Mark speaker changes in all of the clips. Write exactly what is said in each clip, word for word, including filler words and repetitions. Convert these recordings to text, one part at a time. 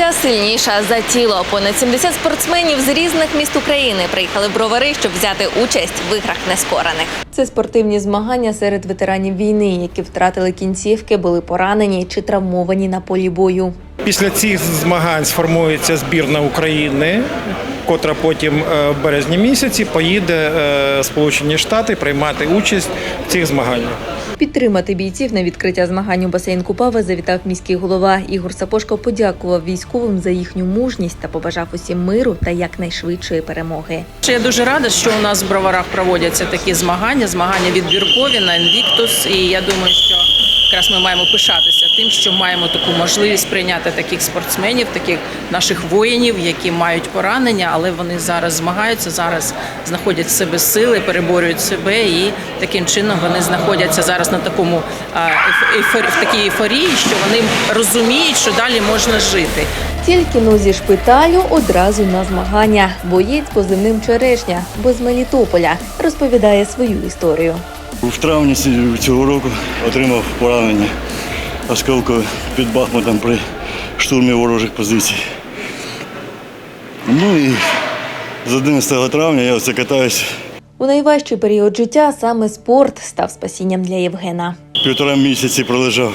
Speaker 1: нація сильніша за тіло. Понад сімдесят спортсменів з різних міст України приїхали в Бровари, щоб взяти участь в іграх нескорених. Це спортивні змагання серед ветеранів війни, які втратили кінцівки, були поранені чи травмовані на полі бою.
Speaker 2: Після цих змагань сформується збірна України, котра потім в березні місяці поїде в Сполучені Штати приймати участь в цих змаганнях.
Speaker 1: Підтримати бійців на відкриття змагань у басейн Купава завітав міський голова. Ігор Сапошко подякував військовим за їхню мужність та побажав усім миру та якнайшвидшої перемоги.
Speaker 3: Я дуже рада, що у нас в Броварах проводяться такі змагання, змагання відбіркові на Invictus. І я думаю, що якраз ми маємо пишатися тим, що маємо таку можливість прийняти таких спортсменів, таких наших воїнів, які мають поранення, але вони зараз змагаються, зараз знаходять в себе сили, переборюють себе і таким чином вони знаходяться зараз на такому ейфорі, в такій ейфорії, що вони розуміють, що далі можна жити.
Speaker 1: Тільки но зі шпиталю одразу на змагання. Боєць позивним «Черешня», бо з Мелітополя, розповідає свою історію.
Speaker 4: В травні цього року отримав поранення осколкове під Бахмутом при штурмі ворожих позицій. Ну і з одинадцятого травня я оце катаюсь.
Speaker 1: У найважчий період життя саме спорт став спасінням для Євгена.
Speaker 4: Півтора місяці пролежав.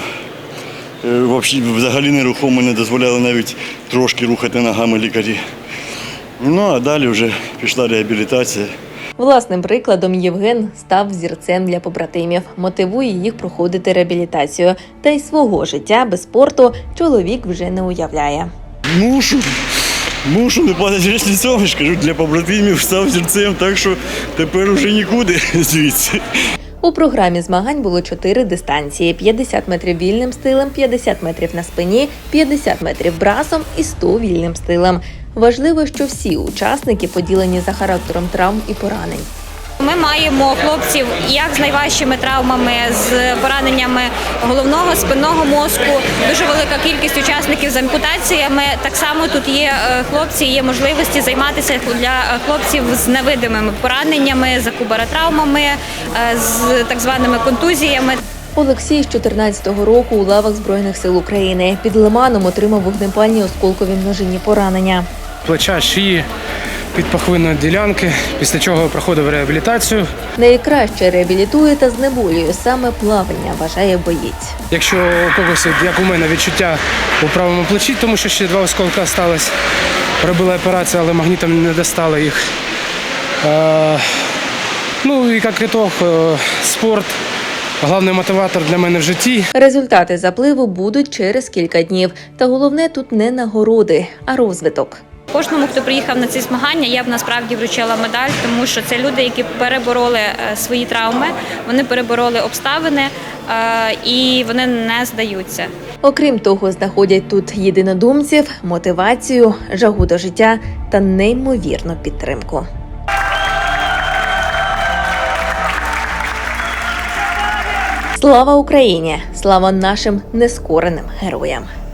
Speaker 4: Взагалі нерухомо, не дозволяли навіть трошки рухати ногами лікарі. Ну а далі вже пішла реабілітація.
Speaker 1: Власним прикладом Євген став взірцем для побратимів, мотивує їх проходити реабілітацію. Та й свого життя без спорту чоловік вже не уявляє.
Speaker 4: Мушу, мушу не падати річницями, кажу, для побратимів став взірцем, так що тепер уже нікуди звідси.
Speaker 1: У програмі змагань було чотири дистанції – п'ятдесят метрів вільним стилем, п'ятдесят метрів на спині, п'ятдесят метрів брасом і сто вільним стилем. Важливо, що всі учасники поділені за характером травм і поранень.
Speaker 5: Ми маємо хлопців як з найважчими травмами, з пораненнями головного, спинного мозку, дуже велика кількість учасників з ампутаціями. Так само тут є хлопці, є можливості займатися для хлопців з невидимими пораненнями, закубаротравмами, з так званими контузіями.
Speaker 1: Олексій з чотирнадцятого року у лавах Збройних сил України. Під Лиманом отримав вогнепальні осколкові множинні поранення.
Speaker 6: Плеча, шиї, підпахвинної ділянки, після чого проходив реабілітацію.
Speaker 1: Найкраще реабілітує та знеболює саме плавання, вважає боєць.
Speaker 6: Якщо у когось, як у мене, відчуття у правому плечі, тому що ще два осколка сталося, робила операцію, але магнітом не достали їх. Е, ну і як ітог, спорт – головний мотиватор для мене в житті.
Speaker 1: Результати запливу будуть через кілька днів. Та головне тут не нагороди, а розвиток.
Speaker 5: Кожному, хто приїхав на ці змагання, я б насправді вручила медаль, тому що це люди, які перебороли свої травми, вони перебороли обставини і вони не здаються.
Speaker 1: Окрім того, знаходять тут єдинодумців, мотивацію, жагу до життя та неймовірну підтримку. Слава Україні! Слава нашим нескореним героям!